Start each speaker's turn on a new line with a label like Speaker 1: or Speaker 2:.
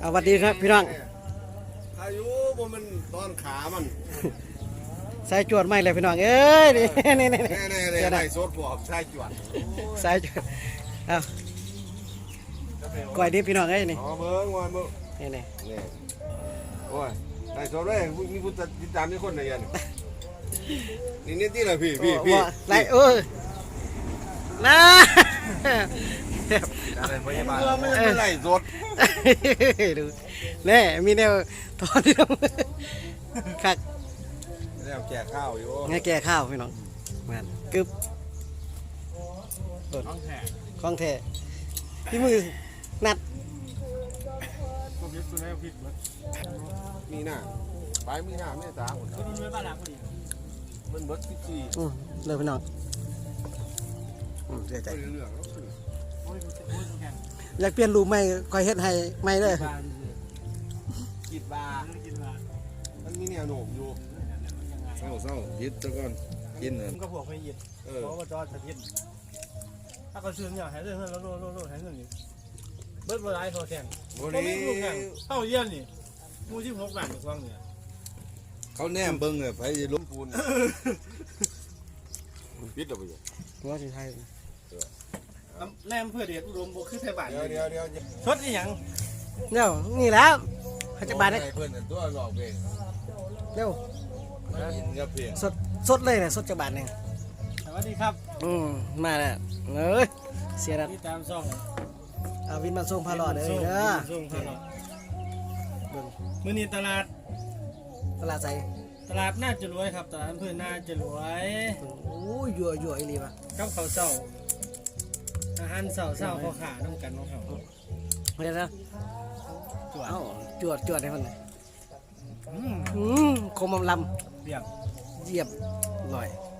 Speaker 1: สวัสดีครับพี่น้อง
Speaker 2: อายุมันตอนขามัน
Speaker 1: สายจวดไม่เลยพี่น้องเอ้ยนี่นี่นี่
Speaker 2: แน่ๆไอ้โซดบอกใช่จวด
Speaker 1: สายจวดเอาก่อยดิพี่น้องเอ้ยนี่
Speaker 2: อ๋อเบิ้งวันเบิ้ง
Speaker 1: นี่นี่
Speaker 2: นี่โอ้ยไอ้โซดเลยมีผู้ติดตามนี่คนไหนยันนี่ที่ละพี่
Speaker 1: ไรนะ
Speaker 2: อะไรพยาบาลไม่เป็นไรโซด
Speaker 1: ดูแน่มีแนวตอนเดียวคัก
Speaker 2: แล้วแจกข้าวอยู่
Speaker 1: งั้นแก่ข้าวพี่น้องมันกึบคล้องแท้พี่มือนัด
Speaker 2: มีหน้าไปมีหน้าไม่ตาหมดมันเบิด14
Speaker 1: เลยพี่น้องเสียใจ
Speaker 2: เรื่อง
Speaker 1: อยากเปลี่ยนรูปใหม่คอยเฮ็ดให้ใหม่เลย
Speaker 2: กินบามันมีแนวโน้มอยู่เศร้ายึดซะก่อนกินเลย
Speaker 3: ก็พวกไม่ยิดเพราะว่าจอดสะเก็ดถ้าก็ซื้อเนี่ยหายเรื่องแล้วโลหายเงินนี่เบิดเวลาเขาแข่ง
Speaker 2: วัน
Speaker 3: ก็ไม่
Speaker 2: นี้
Speaker 3: รู้แข่งเข้าเยี่ยนนี่มูที่6 บาทกว่าเนี่ย
Speaker 2: เขาแนมเบิ้งเลยไปล้มปูนปิดเอาไปอยู่
Speaker 1: ว่าสิไทย
Speaker 3: แนมเพื่อเด็กรวมบุคือไทยบาท
Speaker 2: เดี๋ยว
Speaker 3: ชดอีหยัง
Speaker 1: เดี๋ยวนี่แล้วเขาจะบานได้
Speaker 2: เพื่อนตัวหลอกเอง
Speaker 1: เดี๋ยว
Speaker 2: กินกับเพียง
Speaker 1: สดเลยนะสดจะบานหนึ่ง
Speaker 3: สวัสดีครับ
Speaker 1: มาแล้วเอ้ยเสียดัด
Speaker 3: ที่ตามซ่อง
Speaker 1: เอาวินมาส่งพาหลอดเลยเด้อ
Speaker 3: ส่งพาหลอดมื้อนี้ตลาด
Speaker 1: ตลาดใจ
Speaker 3: น่าจะรวยครับตลาดอำเภอน่าจะรวย
Speaker 1: โอ้ยยั่วอีหลีป่ะ
Speaker 3: กับข้าวเช้าอาหารเช้าเขาขาน้ำกันของเขา
Speaker 1: เดี๋ยวนะ
Speaker 3: จวด
Speaker 1: เอ้าจวดให้คน
Speaker 3: อืม
Speaker 1: คมล
Speaker 3: เรียบ
Speaker 1: ำเยียบหน่อย